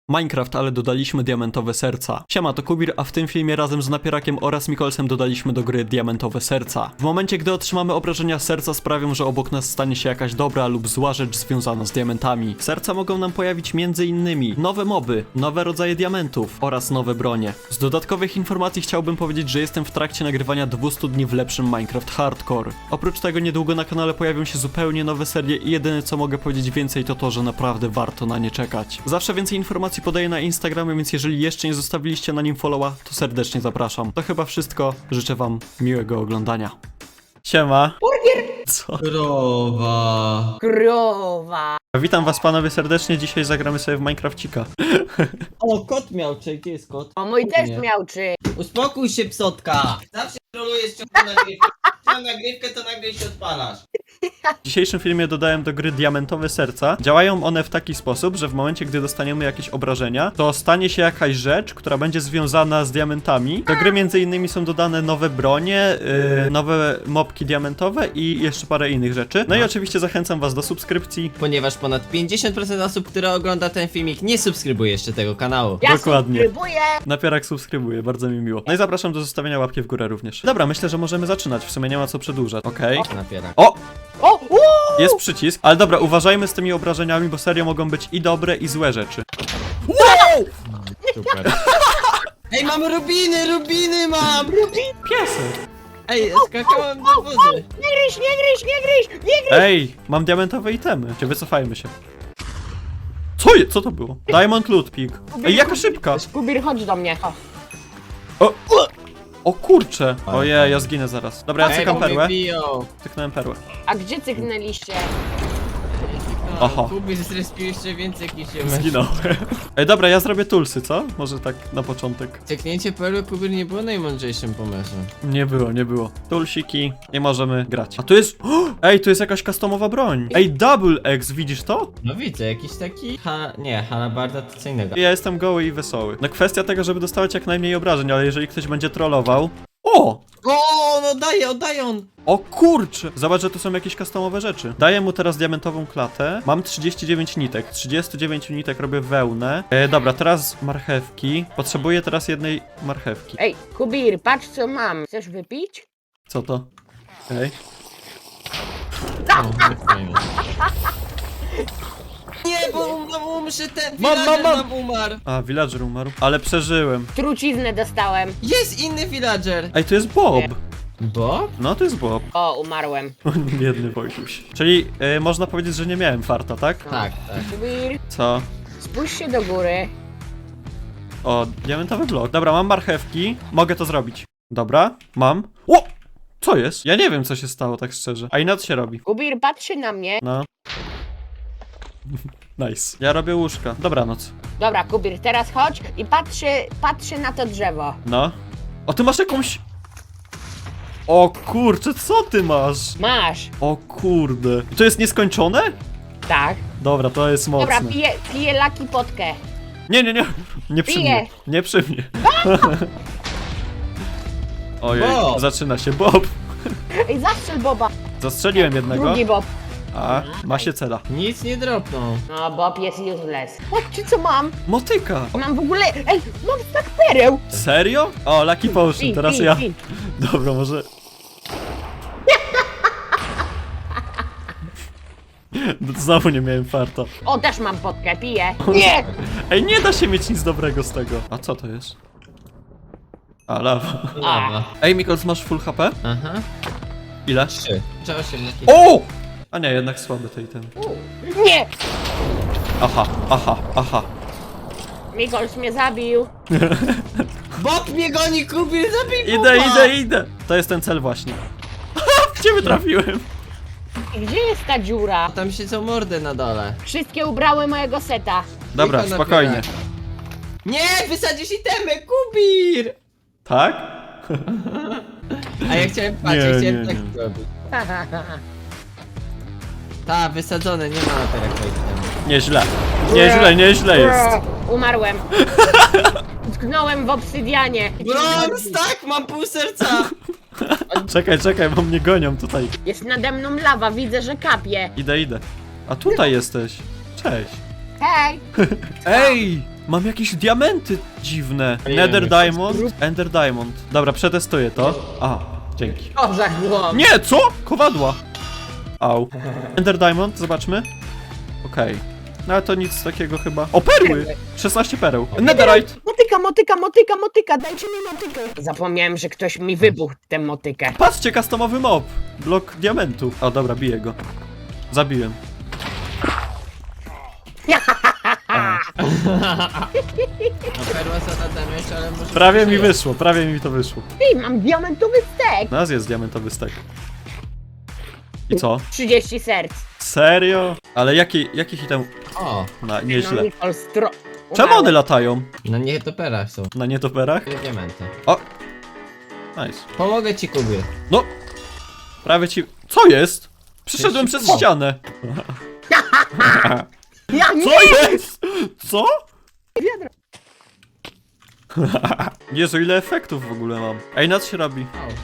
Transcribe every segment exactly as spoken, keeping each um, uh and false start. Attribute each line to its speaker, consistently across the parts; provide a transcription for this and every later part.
Speaker 1: Minecraft, ale dodaliśmy diamentowe serca. Siema, to Kubir, a w tym filmie razem z Napierakiem oraz Mikolsem dodaliśmy do gry diamentowe serca. W momencie, gdy otrzymamy obrażenia, serca sprawią, że obok nas stanie się jakaś dobra lub zła rzecz związana z diamentami. Serca mogą nam pojawić między innymi nowe moby, nowe rodzaje diamentów oraz nowe bronie. Z dodatkowych informacji chciałbym powiedzieć, że jestem w trakcie nagrywania dwieście dni w lepszym Minecraft Hardcore. Oprócz tego niedługo na kanale pojawią się zupełnie nowe serie i jedyne co mogę powiedzieć więcej to to, że naprawdę warto na nie czekać. Zawsze więcej informacji podaję na Instagramie, więc jeżeli jeszcze nie zostawiliście na nim followa, to serdecznie zapraszam. To chyba wszystko. Życzę wam miłego oglądania. Siema.
Speaker 2: Burger!
Speaker 1: Co?
Speaker 2: Krowa.
Speaker 3: Krowa.
Speaker 1: Witam was panowie serdecznie, dzisiaj zagramy sobie w Minecrafcika.
Speaker 2: O, kot miał, czy gdzie jest kot?
Speaker 3: O, mój też
Speaker 2: Nie.
Speaker 3: miał czy.
Speaker 2: Uspokój się, psotka! Zawsze trolujesz ciągle nagrywkę. Mam nagrywkę, to nagle się odpalasz.
Speaker 1: W dzisiejszym filmie dodałem do gry diamentowe serca. Działają one w taki sposób, że w momencie, gdy dostaniemy jakieś obrażenia, to stanie się jakaś rzecz, która będzie związana z diamentami. Do gry między innymi są dodane nowe bronie, yy, nowe mopki diamentowe i jeszcze parę innych rzeczy. No i oczywiście zachęcam was do subskrypcji.
Speaker 2: Ponieważ ponad pięćdziesiąt procent osób, które ogląda ten filmik, nie subskrybuje jeszcze tego kanału.
Speaker 3: Ja
Speaker 1: Dokładnie.
Speaker 3: subskrybuję.
Speaker 1: Napierak subskrybuje, bardzo mi miło. No i zapraszam do zostawienia łapki w górę również. Dobra, myślę, że możemy zaczynać, w sumie nie ma co przedłużać, okej?
Speaker 2: Napierak.
Speaker 1: O!
Speaker 3: O, uuu.
Speaker 1: Jest przycisk, ale dobra, uważajmy z tymi obrażeniami, bo serio mogą być i dobre, i złe rzeczy.
Speaker 2: Super. Ej, mam rubiny, rubiny mam!
Speaker 1: Piesek!
Speaker 2: Ej, skakałem do wody.
Speaker 3: Nie gryź, nie gryź, nie gryź, nie gryź.
Speaker 1: Ej, mam diamentowe itemy. Cię wycofajmy się. Co je? Co to było? Diamond loot pig. Ej, jaka szybka!
Speaker 3: Kubir, chodź do mnie. O.
Speaker 1: O, o kurcze! Ojej, ja zginę zaraz. Dobra, ja
Speaker 2: Ej,
Speaker 1: cykam
Speaker 2: bo mnie
Speaker 1: perłę.
Speaker 2: biją.
Speaker 1: Cyknąłem perłę.
Speaker 3: A gdzie cyknęliście?
Speaker 1: Aha.
Speaker 2: Kubi zrespił jeszcze więcej niż się
Speaker 1: Zginąłem. Ej, dobra, ja zrobię tulsy, co? Może tak na początek.
Speaker 2: Cyknięcie perły Kubir nie było najmądrzejszym pomysłem.
Speaker 1: Nie było, nie było. Tulsiki i możemy grać. A tu jest... Ej, tu jest jakaś customowa broń. Ej, Double X, widzisz to?
Speaker 2: No widzę, jakiś taki... Ha... nie, halabarda to co innego.
Speaker 1: Ja jestem goły i wesoły. No kwestia tego, żeby dostawać jak najmniej obrażeń, ale jeżeli ktoś będzie trollował... O!
Speaker 2: O, no daje, oddaje on!
Speaker 1: O kurczę! Zobacz, że tu są jakieś customowe rzeczy. Daję mu teraz diamentową klatę. Mam trzydzieści dziewięć nitek. trzydzieści dziewięć nitek robię wełnę. E, dobra, teraz marchewki. Potrzebuję teraz jednej marchewki.
Speaker 3: Ej, Kubir, patrz co mam. Chcesz wypić?
Speaker 1: Co to? Ej.
Speaker 2: O, fajnie. Nie, bo um, umrze ten
Speaker 1: Mam, mam,
Speaker 2: villager
Speaker 1: mam.
Speaker 2: nam umarł.
Speaker 1: A, villager umarł. Ale przeżyłem.
Speaker 3: Truciznę dostałem.
Speaker 2: Jest inny villager.
Speaker 1: Ej, tu jest Bob.
Speaker 2: Bob?
Speaker 1: No, to jest Bob.
Speaker 3: O, umarłem.
Speaker 1: Biedny Wojtuś. Czyli e, można powiedzieć, że nie miałem farta, tak?
Speaker 2: Tak, tak.
Speaker 3: Kubir,
Speaker 1: Co?
Speaker 3: spójrz się do góry.
Speaker 1: O, diamentowy blok. Dobra, mam marchewki. Mogę to zrobić. Dobra, mam. O! Co jest? Ja nie wiem, co się stało, tak szczerze. A i na co się robi?
Speaker 3: Kubir, patrzy na mnie.
Speaker 1: No. Nice. Ja robię łóżka. Dobranoc.
Speaker 3: Dobra, Kubir, teraz chodź i patrzy, patrzy na to drzewo.
Speaker 1: No. O, ty masz jakąś... O kurczę, co ty masz?
Speaker 3: Masz.
Speaker 1: O kurde. To jest nieskończone?
Speaker 3: Tak.
Speaker 1: Dobra, to jest mocne.
Speaker 3: Dobra, piję, piję laki potkę.
Speaker 1: Nie, nie, nie. Nie przy
Speaker 3: Piję.
Speaker 1: mnie. Nie przy mnie. Ojej,
Speaker 2: Bob.
Speaker 1: zaczyna się. Bob.
Speaker 3: Ej, zastrzel Boba.
Speaker 1: Zastrzeliłem jednego.
Speaker 3: Drugi Bob.
Speaker 1: A, ma się cela.
Speaker 2: Nic nie dropnął.
Speaker 3: No, Bob jest useless. Patrzcie co mam.
Speaker 1: Motyka.
Speaker 3: Mam w ogóle... Ej, mam tak pereł.
Speaker 1: Serio? O, Lucky Potion,
Speaker 3: Pi,
Speaker 1: teraz
Speaker 3: pi,
Speaker 1: ja.
Speaker 3: pi.
Speaker 1: Dobra, może... Znowu nie miałem farta.
Speaker 3: O, też mam potkę, piję. Nie!
Speaker 1: Ej, nie da się mieć nic dobrego z tego. A co to jest? A, lawa.
Speaker 2: Lawa.
Speaker 1: Ej, Mikols, masz full H P?
Speaker 2: Aha.
Speaker 1: Ile?
Speaker 2: Trzy. Czy osiem jakieś?
Speaker 1: O! A nie, jednak słaby tej ten.
Speaker 3: Nie!
Speaker 1: Aha, aha, aha.
Speaker 3: Mikols mnie zabił.
Speaker 2: Bob mnie goni, Kubir, zabij
Speaker 1: Idę,
Speaker 2: Boba!
Speaker 1: idę, idę. To jest ten cel właśnie. W ciebie trafiłem.
Speaker 3: I gdzie jest ta dziura?
Speaker 2: Tam siedzą mordy na dole.
Speaker 3: Wszystkie ubrały mojego seta.
Speaker 1: Dobra,
Speaker 2: Tylko
Speaker 1: spokojnie.
Speaker 2: napieraj. Nie, wysadzisz itemy, Kubir!
Speaker 1: Tak?
Speaker 2: A ja chciałem, patrz,
Speaker 1: Nie,
Speaker 2: ja chciałem
Speaker 1: nie,
Speaker 2: tak
Speaker 1: nie.
Speaker 2: zrobić. Ta, wysadzone, nie ma napierak itemy.
Speaker 1: Nieźle. Nieźle, nieźle jest.
Speaker 3: Umarłem. Utknąłem w obsydianie.
Speaker 2: Brons, tak, mam pół serca!
Speaker 1: Czekaj, czekaj, bo mnie gonią tutaj.
Speaker 3: Jest nade mną lawa, widzę, że kapie.
Speaker 1: Idę, idę. A tutaj jesteś. Cześć.
Speaker 3: Hej!
Speaker 1: Ej! Mam jakieś diamenty dziwne.
Speaker 4: Nie
Speaker 1: Nether
Speaker 4: wiem,
Speaker 1: Diamond, Ender Diamond. Dobra, przetestuję to. A, dzięki.
Speaker 3: Dobrze, było.
Speaker 1: Nie, co? Kowadła. Au. Ender Diamond, zobaczmy. Okej. No ale to nic takiego chyba. O, perły! szesnaście pereł. Netherite!
Speaker 3: Motyka, motyka, motyka, motyka, dajcie mi motykę. Zapomniałem, że ktoś mi wybuchł tę motykę.
Speaker 1: Patrzcie, customowy mob. Blok diamentu. O, dobra, biję go. Zabiłem.
Speaker 4: No perła zadadamy, ale może...
Speaker 1: Prawie mi wyszło, prawie mi to wyszło.
Speaker 3: Ej, mam diamentowy stek.
Speaker 1: Nas jest diamentowy stek. I co?
Speaker 3: trzydzieści serc.
Speaker 1: Serio? Ale jaki, jaki hitem?
Speaker 4: O,
Speaker 1: Na,
Speaker 3: No,
Speaker 1: nieźle.
Speaker 3: Nicole stro...
Speaker 1: Czemu one latają?
Speaker 4: na nietoperach są.
Speaker 1: Na nietoperach?
Speaker 4: Te diamenty.
Speaker 1: O! Nice.
Speaker 4: Pomogę ci, Kubir.
Speaker 1: No! Prawie ci... Co jest? Przeszedłem
Speaker 4: Jeszcze
Speaker 1: przez
Speaker 4: po.
Speaker 1: ścianę.
Speaker 3: Ja nie!
Speaker 1: Co jest? Co? Jezu, ile efektów w ogóle mam. Ej, na co się robi?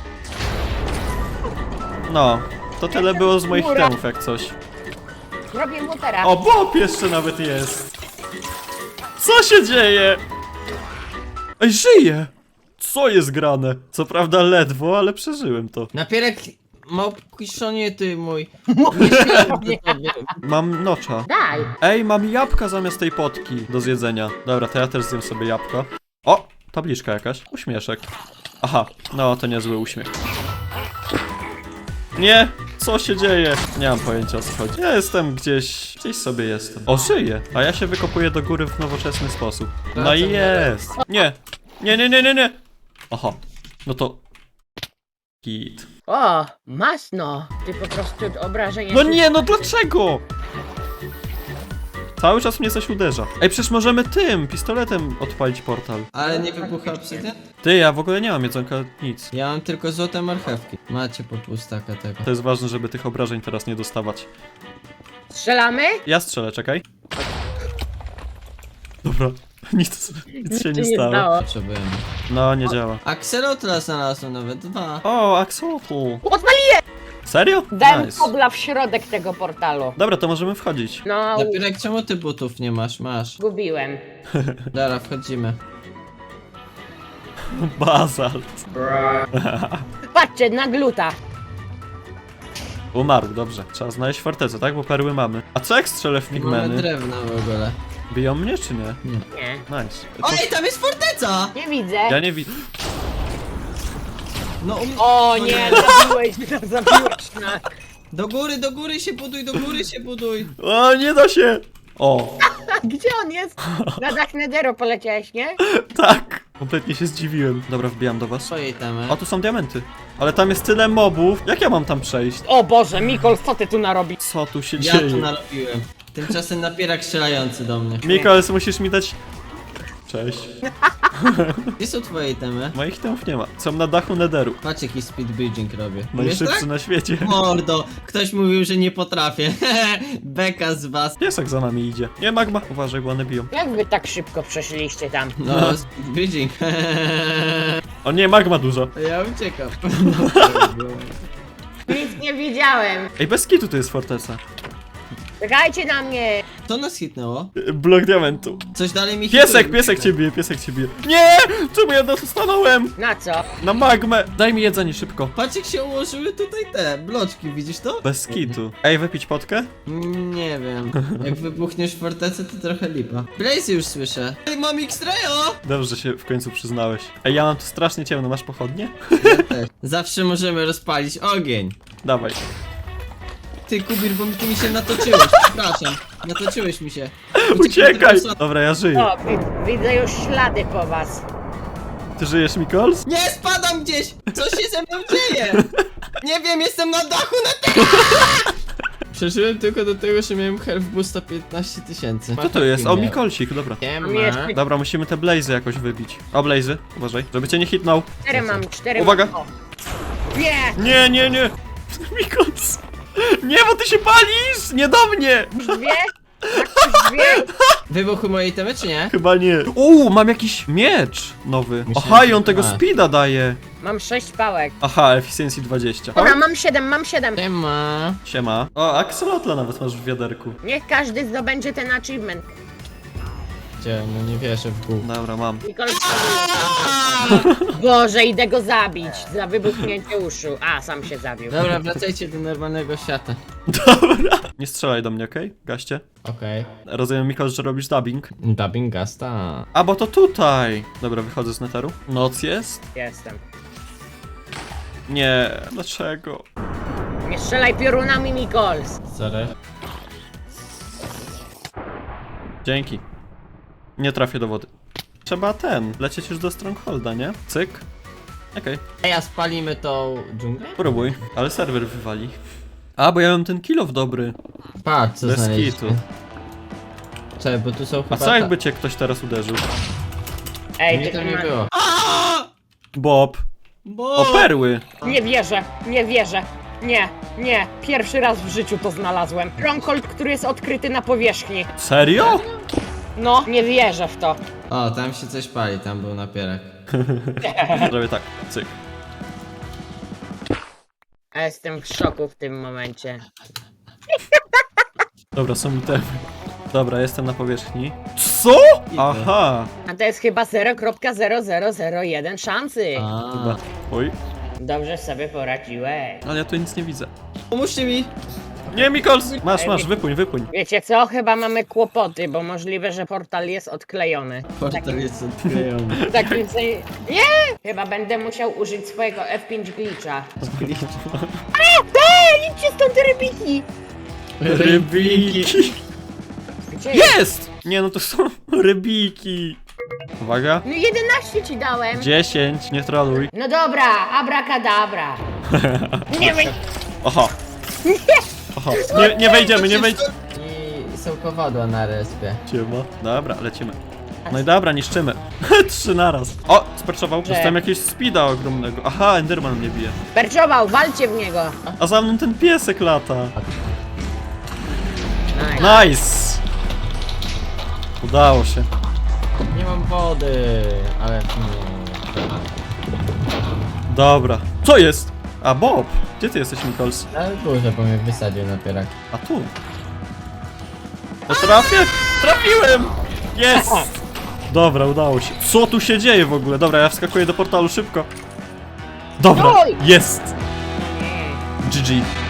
Speaker 1: No, to tyle było z moich itemów jak coś.
Speaker 3: Robię motera.
Speaker 1: O, Bob jeszcze nawet jest. Co się dzieje? Ej, żyję! Co jest grane? Co prawda ledwo, ale przeżyłem to.
Speaker 4: Napierek małpiszonie ty mój.
Speaker 3: Nie.
Speaker 1: Mam nocza.
Speaker 3: Daj.
Speaker 1: Ej, mam jabłka zamiast tej potki do zjedzenia. Dobra, to ja też zjem sobie jabłko. O, tabliczka jakaś. Uśmieszek. Aha, no to niezły uśmiech. Nie! Co się dzieje? Nie mam pojęcia, o co chodzi. Ja jestem gdzieś... Gdzieś sobie jestem. O, żyję! A ja się wykopuję do góry w nowoczesny sposób. No i jest! Nie! Nie, nie, nie, nie, nie! Aha. No to... Git.
Speaker 3: O, masno. Ty po prostu obrażenia...
Speaker 1: No nie, no dlaczego? Cały czas mnie coś uderza. Ej, przecież możemy tym, pistoletem odpalić portal.
Speaker 4: Ale nie wybucha obsydian?
Speaker 1: Ty, ja w ogóle nie mam jedzonka, nic.
Speaker 4: Ja mam tylko złote marchewki. Macie po pół staka tego.
Speaker 1: To jest ważne, żeby tych obrażeń teraz nie dostawać.
Speaker 3: Strzelamy?
Speaker 1: Ja strzelę, czekaj. Dobra, nic, nic się nie
Speaker 3: Nic
Speaker 1: stało.
Speaker 4: Potrzebujemy.
Speaker 1: No, nie działa.
Speaker 4: Axolotla znalazłem nawet dwa.
Speaker 1: O, Axolotl.
Speaker 3: Odpaliłem!
Speaker 1: Serio?
Speaker 3: Dałem
Speaker 1: Nice.
Speaker 3: kobla w środek tego portalu.
Speaker 1: Dobra, to możemy wchodzić.
Speaker 3: No,
Speaker 4: Napierek, czemu ty butów nie masz? Masz.
Speaker 3: zgubiłem.
Speaker 4: Dobra, wchodzimy.
Speaker 1: Bazalt.
Speaker 3: Patrzcie, na gluta.
Speaker 1: Umarł, dobrze. Trzeba znaleźć fortecę, tak? Bo perły mamy. A co jak strzelę w
Speaker 4: Nie mamy
Speaker 1: pigmeny?
Speaker 4: drewna w ogóle.
Speaker 1: Biją mnie, czy nie?
Speaker 3: Nie.
Speaker 1: Nice. To...
Speaker 4: Oj, tam jest forteca!
Speaker 3: Nie widzę.
Speaker 1: Ja nie widzę.
Speaker 4: No um...
Speaker 3: O nie, zabiłeś mnie, zabiłeś mnie.
Speaker 4: Do góry, do góry się buduj, do góry się buduj.
Speaker 1: O, nie da się! O,
Speaker 3: Gdzie on jest? Na dach Nederu poleciałeś, nie?
Speaker 1: tak! Kompletnie się zdziwiłem. Dobra, wbijam do was.
Speaker 4: Swojej temy.
Speaker 1: O, tu są diamenty. Ale tam jest tyle mobów. Jak ja mam tam przejść?
Speaker 3: O Boże, Mikol, co ty tu narobisz?
Speaker 1: Co tu się
Speaker 4: Ja
Speaker 1: dzieje?
Speaker 4: to narobiłem. Tymczasem napierak strzelający do mnie.
Speaker 1: Mikols, musisz mi dać... Cześć.
Speaker 4: Gdzie są twoje temy?
Speaker 1: Moich temów nie ma. Są na dachu Netheru.
Speaker 4: Patrz jaki speed bridging robię. Umiesz
Speaker 1: Najszybszy
Speaker 4: tak?
Speaker 1: na świecie.
Speaker 4: Mordo, ktoś mówił, że nie potrafię. Beka z was.
Speaker 1: Piesek za nami idzie. Nie, magma. Uważaj, bo one biją.
Speaker 3: Jak wy tak szybko przeszliście tam?
Speaker 4: No, speed bridging.
Speaker 1: O nie, magma dużo.
Speaker 4: Ja uciekam.
Speaker 3: Nic nie widziałem.
Speaker 1: Ej, bez kitu to jest forteca.
Speaker 3: Czekajcie na mnie.
Speaker 4: Co nas hitnęło?
Speaker 1: Y, Blok diamentu.
Speaker 4: Coś dalej mi
Speaker 1: Piesek,
Speaker 4: hituje.
Speaker 1: piesek cię bije, piesek cię bije. Nie! Czemu ja dostanąłem?
Speaker 3: Na co?
Speaker 1: Na magmę. Daj mi jedzenie szybko.
Speaker 4: Patrz jak się ułożyły tutaj te bloczki, widzisz to?
Speaker 1: Bez kitu. Ej, wypić potkę?
Speaker 4: Mm, Nie wiem. Jak wybuchniesz fortecę, to trochę lipa. Blaze już słyszę. Ej, mam X-Rayo!
Speaker 1: Dobrze, że się w końcu przyznałeś. Ej, ja mam tu strasznie ciemno. Masz pochodnie?
Speaker 4: Ja też. Zawsze możemy rozpalić ogień.
Speaker 1: Dawaj.
Speaker 4: Ty, Kubir, bo mi ty mi się natoczyłeś, przepraszam. Natoczyłeś mi się.
Speaker 1: Uciekaj! Dobra, ja żyję.
Speaker 3: O, wi widzę już ślady po was.
Speaker 1: Ty żyjesz, Mikols?
Speaker 4: Nie, spadam gdzieś! Co się ze mną dzieje? Nie wiem, jestem na dachu na tym! Przeżyłem tylko do tego, że miałem health boosta piętnaście tysięcy.
Speaker 1: Co to jest? O, Mikolsik, dobra.
Speaker 4: Nie
Speaker 3: Mam jeszcze-
Speaker 1: Dobra, musimy te blazy jakoś wybić. O, blazy, uważaj, żeby cię nie hitnął.
Speaker 3: Cztery mam, cztery
Speaker 1: Uwaga.
Speaker 3: mam. O. Nie!
Speaker 1: Nie, nie, nie! Mikols! Nie, bo ty się palisz! Nie do mnie!
Speaker 3: Już dwie? Tak, już dwie?
Speaker 4: Wybuchły moje itemy, czy nie?
Speaker 1: Chyba nie. Uuu, mam jakiś miecz nowy.
Speaker 4: Myślałem,
Speaker 1: Aha, i
Speaker 4: że-
Speaker 1: on tego
Speaker 4: a.
Speaker 1: speeda daje.
Speaker 3: Mam sześć pałek.
Speaker 1: Aha, efficiency dwadzieścia.
Speaker 3: Dobra, mam siedem, mam siedem.
Speaker 4: Nie ma.
Speaker 1: Siema. O, axolotla nawet masz w wiaderku.
Speaker 3: Niech każdy zdobędzie ten achievement.
Speaker 4: Gdzie? No nie wierzę w Bóg.
Speaker 1: Dobra, mam.
Speaker 3: Mikols Boże, idę go zabić za wybuchnięcie uszu. A, sam się zabił.
Speaker 4: Dobra, wracajcie do normalnego świata.
Speaker 1: Dobra. Nie strzelaj do mnie, okej? Gaście.
Speaker 4: Okej.
Speaker 1: Rozumiem, Mikols, że robisz dubbing.
Speaker 4: Dubbing gasta.
Speaker 1: A, bo to tutaj. Dobra, wychodzę z neteru. Noc jest?
Speaker 3: Jestem.
Speaker 1: Nie, dlaczego?
Speaker 3: Nie strzelaj piorunami, Mikols.
Speaker 4: Sorry.
Speaker 1: Dzięki. Nie trafię do wody. Trzeba ten, lecieć już do Strongholda, nie? Cyk. Okej,
Speaker 4: Ej, a spalimy tą dżunglę?
Speaker 1: próbuj, ale serwer wywali. A, bo ja mam ten kill off dobry.
Speaker 4: Patrz, co
Speaker 1: Bez
Speaker 4: znaleźliśmy.
Speaker 1: kitu.
Speaker 4: Czekaj, bo tu są chyba...
Speaker 1: A co jakby cię ktoś teraz uderzył?
Speaker 3: Ej,
Speaker 4: Nie,
Speaker 3: ty
Speaker 4: to nie
Speaker 3: ma-
Speaker 4: było.
Speaker 1: Bob.
Speaker 2: Bo...
Speaker 1: O, perły.
Speaker 3: Nie wierzę, nie wierzę. Nie, nie. Pierwszy raz w życiu to znalazłem. Stronghold, który jest odkryty na powierzchni.
Speaker 1: Serio?
Speaker 3: No, nie wierzę w to.
Speaker 4: O, tam się coś pali, tam był napierak.
Speaker 1: Zrobię tak, cyk.
Speaker 3: Ja jestem w szoku w tym momencie.
Speaker 1: Dobra, są itemy. Dobra, jestem na powierzchni. Co? Aha.
Speaker 3: A to jest chyba zero przecinek zero zero zero jeden szansy.
Speaker 1: Chyba. Oj,
Speaker 3: Dobrze sobie poradziłeś.
Speaker 1: ale ja tu nic nie widzę.
Speaker 2: Pomóżcie mi!
Speaker 1: Nie, Mikols! Masz, masz, wypłyń, wypłyń.
Speaker 3: Wiecie co? Chyba mamy kłopoty, bo możliwe, że portal jest odklejony.
Speaker 4: Portal jest odklejony.
Speaker 3: W takim sensie... Nie! Chyba będę musiał użyć swojego F pięć glitcha. A! Ej, idźcie stąd te rybiki!
Speaker 1: Rybiki.
Speaker 3: Gdzie?
Speaker 1: Jest! Nie, no to są rybiki. Uwaga.
Speaker 3: No jedenaście ci dałem.
Speaker 1: dziesięć, nie troluj.
Speaker 3: No dobra, abracadabra. Nie wy...
Speaker 1: Oho. Oho. Nie, nie wejdziemy, nie wejdziemy.
Speaker 4: I są kowadła na respie.
Speaker 1: Dobra, lecimy. No i dobra, niszczymy. Trzy naraz. O, sperczował. Dostałem jakiegoś speeda ogromnego. Aha, Enderman mnie bije.
Speaker 3: Perczował, walcie w niego.
Speaker 1: A za mną ten piesek lata.
Speaker 3: Nice.
Speaker 1: Nice! Udało się.
Speaker 4: Nie mam wody, ale nie.
Speaker 1: Dobra. Co jest? A, Bob! Gdzie ty jesteś, Mikols?
Speaker 4: Ale górze, bo mnie wysadził napierak.
Speaker 1: A tu. To trafię? Trafiłem! Jest! Dobra, udało się. Co tu się dzieje w ogóle? Dobra, ja wskakuję do portalu szybko. Dobra,
Speaker 3: Oj!
Speaker 1: jest! G G.